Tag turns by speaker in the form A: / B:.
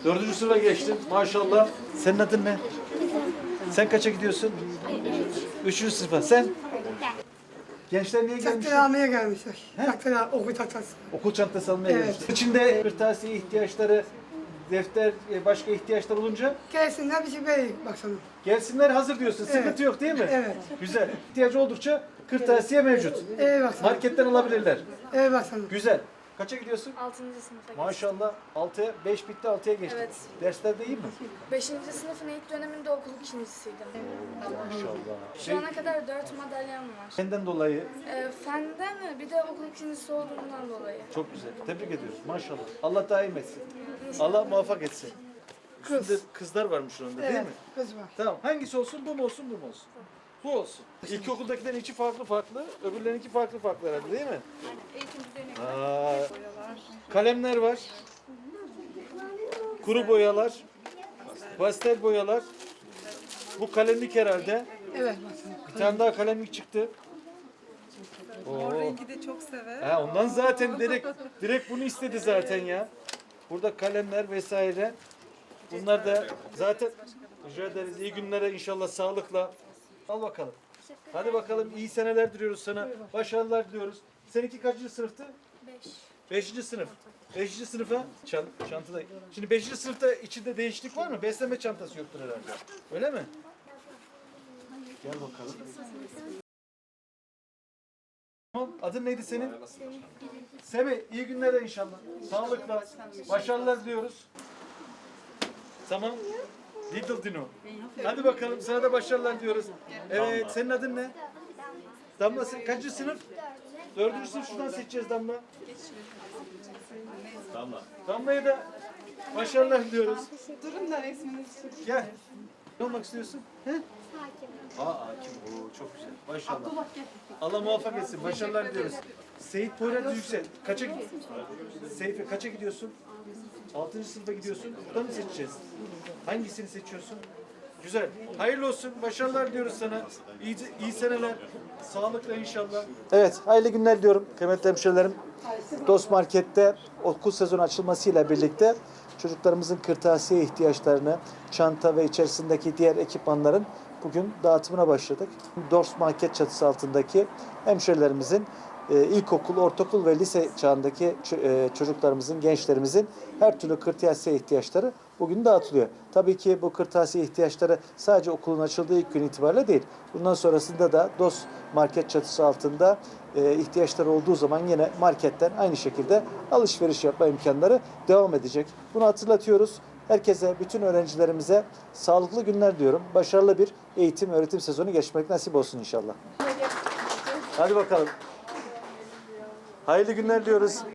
A: 4. sınıfa geçtin. Maşallah. Senin adın ne? Sen kaça gidiyorsun? 3. sınıfa. Sen? Gençler niye gelmişler?
B: Takdir almaya gelmişler. Okul tahtası.
A: Okul çantası almaya
B: Evet.
A: gelmişler. İçinde kırtasiye ihtiyaçları, defter, başka ihtiyaçlar olunca
B: Gelsinler bir şey vereyim baksana.
A: gelsinler hazır diyorsun. Sıkıntı
B: Evet.
A: yok değil mi?
B: Evet.
A: Güzel. İhtiyacı oldukça kırtasiye mevcut.
B: Baksana.
A: Marketten alabilirler.
B: Baksana.
A: Güzel. Kaça gidiyorsun?
C: 6. sınıfa geçtim.
A: Maşallah. 6'ya 5 bitti 6'ya geçtik.
C: Evet.
A: Derslerde iyi mi?
C: 5. sınıfın ilk döneminde okul ikincisiydim.
A: Maşallah.
C: Şu ana kadar 4 madalyam var.
A: Senden dolayı
C: Fenden mi? Bir de okul ikincisi olduğumdan dolayı.
A: çok güzel. Tebrik ediyoruz. Maşallah. Allah daim etsin. Allah muvaffak etsin. Üstünde kızlar varmış onda değil mi?
B: Kız var.
A: Tamam. Hangisi olsun? Bu mu olsun? Bu mu olsun? Bu olsun. İlkokuldakilerin içi farklı farklı, öbürlerinki farklı farklı herhalde değil mi? Kalemler var. Kuru boyalar. Pastel boyalar. Bu kalemlik herhalde.
B: Evet baksana.
A: Bir tane daha kalemlik çıktı.
D: Mor rengi de çok sever.
A: Ha, ondan zaten direkt bunu istedi zaten ya. Burada kalemler vesaire. Bunlar da zaten rica ederiz. İyi günlere inşallah sağlıkla. Al bakalım. Hadi bakalım iyi seneler diliyoruz sana. Başarılar diliyoruz. Seninki kaçıncı sınıftı? 5. sınıf. 5. sınıfa çantada. Şimdi 5. sınıfta içinde değişiklik var mı? Besleme çantası yoktur herhalde. Öyle mi? Gel bakalım. Tamam. Adın neydi senin? Semih. İyi günler inşallah. Sağlıkla. Başarılar diliyoruz. Tamam. Little Dino. Hadi bakalım. Sana da başarılar diyoruz. Evet. Senin adın ne? Damla. Sen kaçıncı sınıf? 4. sınıf. Şuradan seçeceğiz Damla. Damla'ya da başarılar diliyoruz.
D: Durun da resminizi çekin.
A: Gel. Ne olmak istiyorsun? He? Hakim. Hakim. Oo, çok güzel. Maşallah. Allah muvaffak etsin. Başarılar diliyoruz. Seyit Poyraz Yüksel. Kaça gidiyorsun? Seyfi kaça gidiyorsun? 6. sınıfa gidiyorsun. Buradan mı seçeceğiz? Hangisini seçiyorsun? Güzel. Hayırlı olsun. Başarılar diliyoruz sana. İyi seneler. Sağlıkla inşallah. Evet. Hayırlı günler diyorum kıymetli hemşehrilerim. Dost Market'te okul sezonu açılmasıyla birlikte çocuklarımızın kırtasiye ihtiyaçlarını, çanta ve içerisindeki diğer ekipmanların bugün dağıtımına başladık. Dost Market çatısı altındaki hemşehrilerimizin ilkokul, ortaokul ve lise çağındaki çocuklarımızın, gençlerimizin her türlü kırtasiye ihtiyaçları bugün dağıtılıyor. Tabii ki bu kırtasiye ihtiyaçları sadece okulun açıldığı ilk gün itibariyle değil. Bundan sonrasında da Dost Market çatısı altında ihtiyaçları olduğu zaman yine marketten aynı şekilde alışveriş yapma imkanları devam edecek. Bunu hatırlatıyoruz. Herkese, bütün öğrencilerimize sağlıklı günler diyorum. Başarılı bir eğitim, öğretim sezonu geçmek nasip olsun inşallah. Hadi bakalım. Hayırlı günler diyoruz.